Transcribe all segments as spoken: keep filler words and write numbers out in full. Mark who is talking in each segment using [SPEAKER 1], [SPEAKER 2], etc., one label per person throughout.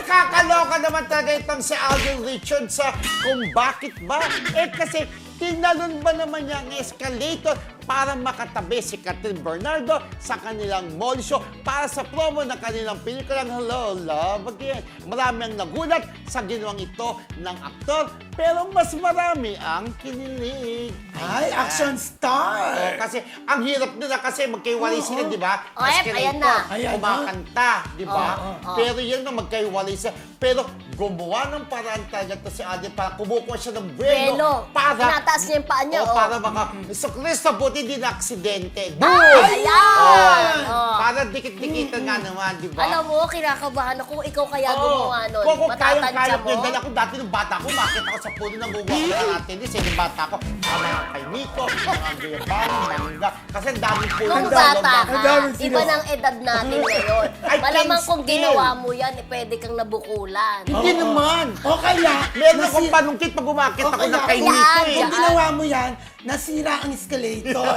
[SPEAKER 1] Nakakaloka naman talaga itong si Alden Richards sa kung bakit ba. Eh kasi tinalon ba naman niya ang escalator para makatabi si Catherine Bernardo sa kanilang mall show para sa promo ng kanilang pelikulang Hello, Love Again. Marami ang nagulat sa ginawang ito ng aktor, pero mas marami ang kinilig.
[SPEAKER 2] Ay, action star!
[SPEAKER 1] Oh, kasi ang hirap nila kasi magkaiwalay sila, di ba?
[SPEAKER 3] Oh, eh, ayan na.
[SPEAKER 2] Ayan na.
[SPEAKER 1] Kumakanta, di ba?
[SPEAKER 3] Oh, oh, oh.
[SPEAKER 1] Pero yan na magkaiwalay sila. Pero gumawa ng paraan talaga to si Alden para kumukuha siya ng buwelo.
[SPEAKER 3] Buwelo.
[SPEAKER 1] Para,
[SPEAKER 3] Tinataas niya yung paa niya,
[SPEAKER 1] oh,
[SPEAKER 3] oh.
[SPEAKER 1] para maka, so Cristo, buti din na aksidente. Boom!
[SPEAKER 3] Ay, ayan! Oh.
[SPEAKER 1] Para dikit-dikitan nga naman, di ba?
[SPEAKER 3] Alam mo, kinakabahan ako kung ikaw kaya gumawa nun.
[SPEAKER 1] Kung kung kayang
[SPEAKER 3] Matatansya
[SPEAKER 1] kaya
[SPEAKER 3] mo.
[SPEAKER 1] ko, dahil ako dati nung bata ko, makita ako sa puno ng gugawa ko ng atin din, yung bata ko, ang mga kay Nico, mga Guyabang, mangga, kasi ang daming puno.
[SPEAKER 3] Nung
[SPEAKER 1] ng
[SPEAKER 3] bata
[SPEAKER 1] loob
[SPEAKER 2] Ang
[SPEAKER 3] ka,
[SPEAKER 2] daming sila.
[SPEAKER 3] iba ng edad natin ngayon.
[SPEAKER 1] I can
[SPEAKER 3] Malamang kung
[SPEAKER 1] still.
[SPEAKER 3] ginawa mo yan, eh, pwede kang nabukulan.
[SPEAKER 1] Hindi naman.
[SPEAKER 2] O kaya,
[SPEAKER 1] Meron akong
[SPEAKER 2] nasi-
[SPEAKER 1] panungkit pag umakit
[SPEAKER 2] o
[SPEAKER 1] ako
[SPEAKER 2] kaya,
[SPEAKER 1] na kay
[SPEAKER 2] kung-
[SPEAKER 1] Nico eh.
[SPEAKER 2] Kung ginawa mo yan, nasira ang escalator.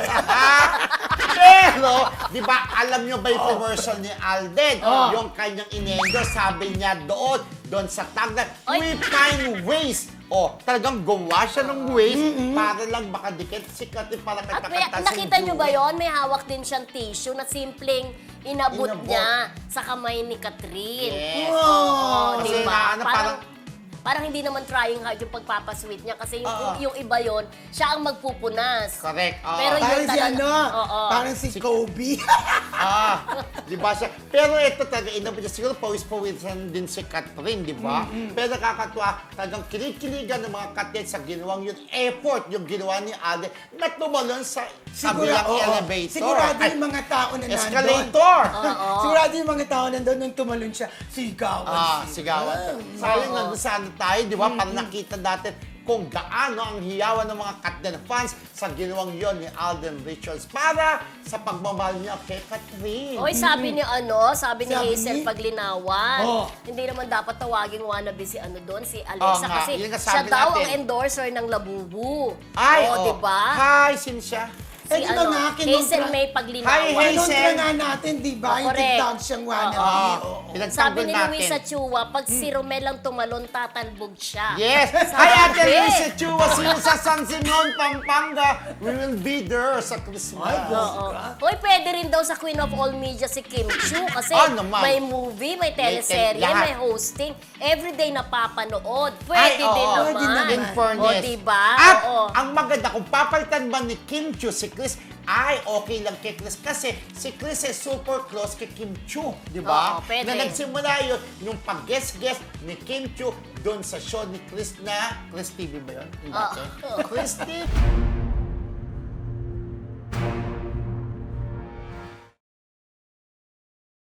[SPEAKER 1] Pero, di ba, alam nyo ba yung commercial ni Alden? Yung kanyang inendo, sabi niya doon, doon sa tagline,
[SPEAKER 3] Oy.
[SPEAKER 1] we find ways. O, talagang gumawa siya ng ways para lang makadikit si Cathy para
[SPEAKER 3] At may,
[SPEAKER 1] kakanta si
[SPEAKER 3] nakita nyo ba
[SPEAKER 1] Joey.
[SPEAKER 3] yon? May hawak din siyang tissue na simpleng inabot,
[SPEAKER 1] Inabot.
[SPEAKER 3] niya sa kamay ni Catherine.
[SPEAKER 1] Yes.
[SPEAKER 3] Oo,
[SPEAKER 1] Kasi
[SPEAKER 3] di
[SPEAKER 1] nga,
[SPEAKER 3] ba?
[SPEAKER 1] ano,
[SPEAKER 3] parang,
[SPEAKER 1] parang-
[SPEAKER 3] parang hindi naman trying hard yung pagpapasweet niya kasi yung,
[SPEAKER 1] Oo.
[SPEAKER 3] yung iba yon siya ang magpupunas.
[SPEAKER 1] Correct. oo.
[SPEAKER 3] Pero yun
[SPEAKER 2] Parang si
[SPEAKER 3] talaga-
[SPEAKER 2] ano,
[SPEAKER 3] Oo.
[SPEAKER 2] parang si Kobe.
[SPEAKER 1] Ah, di ba siya? Pero ito talaga, inabot niya. Siguro pawis-pawisan din si Catherine, di ba? Pero nakakatuwa, talagang kinikiligan ng mga Catherine sa ginawang yun. Effort yung ginawa ni Alden na tumalon sa kabilang
[SPEAKER 2] oo.
[SPEAKER 1] elevator.
[SPEAKER 2] Sigurado
[SPEAKER 1] Ay,
[SPEAKER 2] yung mga tao na nandun.
[SPEAKER 1] escalator!
[SPEAKER 2] Sigurado yung mga tao nandun nung tumalon siya. Sigawan
[SPEAKER 1] Ah,
[SPEAKER 2] siya.
[SPEAKER 1] sigawan. Sayang nandun sana tayo, di ba? Para nakita natin kung gaano ang hiyawan ng mga Catherine fans sa ginawang yon ni Alden Richards para sa pagmamahal niya kay Catherine.
[SPEAKER 3] Oy, sabi ni ano, sabi ni
[SPEAKER 2] Sabi
[SPEAKER 3] Hazel
[SPEAKER 2] ni-
[SPEAKER 3] Paglinawan,
[SPEAKER 2] Oh.
[SPEAKER 3] hindi naman dapat tawaging wannabe si ano doon, si
[SPEAKER 1] Oo
[SPEAKER 3] Alexa,
[SPEAKER 1] nga,
[SPEAKER 3] kasi
[SPEAKER 1] yun nga
[SPEAKER 3] siya
[SPEAKER 1] sabi
[SPEAKER 3] daw
[SPEAKER 1] natin.
[SPEAKER 3] ang endorser ng Labubu.
[SPEAKER 1] Ay,
[SPEAKER 3] oh,
[SPEAKER 1] oh.
[SPEAKER 3] di ba?
[SPEAKER 1] Hi, Cynthia.
[SPEAKER 3] Si
[SPEAKER 2] Eh, di ba
[SPEAKER 3] ano,
[SPEAKER 2] nga, kinontra-
[SPEAKER 3] Hazel May Paglinawan.
[SPEAKER 1] Hi, Hazel.
[SPEAKER 2] Kinontra nga natin, di ba? Yung
[SPEAKER 3] Correct.
[SPEAKER 2] TikTok siyang wannabe.
[SPEAKER 1] Ah,
[SPEAKER 2] Oo.
[SPEAKER 1] pinagtanggol
[SPEAKER 3] Sabi ni
[SPEAKER 1] natin.
[SPEAKER 3] Luisa Chua, pag si Romel ang tumalon, tatalbog siya.
[SPEAKER 1] Yes!
[SPEAKER 3] Sabi.
[SPEAKER 1] Hi, Ate Luisa Chua, see you sa San Simon, Pampanga. We will be there sa Christmas.
[SPEAKER 2] Ay, God.
[SPEAKER 3] Oo. Uy, pwede rin daw sa Queen of All Media si Kim Chu kasi
[SPEAKER 1] Ah, naman.
[SPEAKER 3] may movie, may teleserye,
[SPEAKER 1] lahat.
[SPEAKER 3] may hosting. Everyday napapanood. Pwede
[SPEAKER 1] Ay, oo.
[SPEAKER 3] din naman.
[SPEAKER 2] Pwede naman.
[SPEAKER 1] In fairness.
[SPEAKER 3] O, diba?
[SPEAKER 1] At
[SPEAKER 3] Oo.
[SPEAKER 1] ang maganda, kung papalitan man ni Kim Chu si Chris, ay okay lang kay Chris kasi si Chris is super close kay Kim Chu, di ba?
[SPEAKER 3] Oo, pwede.
[SPEAKER 1] Na nagsimula yun, yung pag-guest-guest ni Kim Chu doon sa show ni Chris na, Chris T V ba yun? Yung dati?
[SPEAKER 3] Oo.
[SPEAKER 1] Chris T V.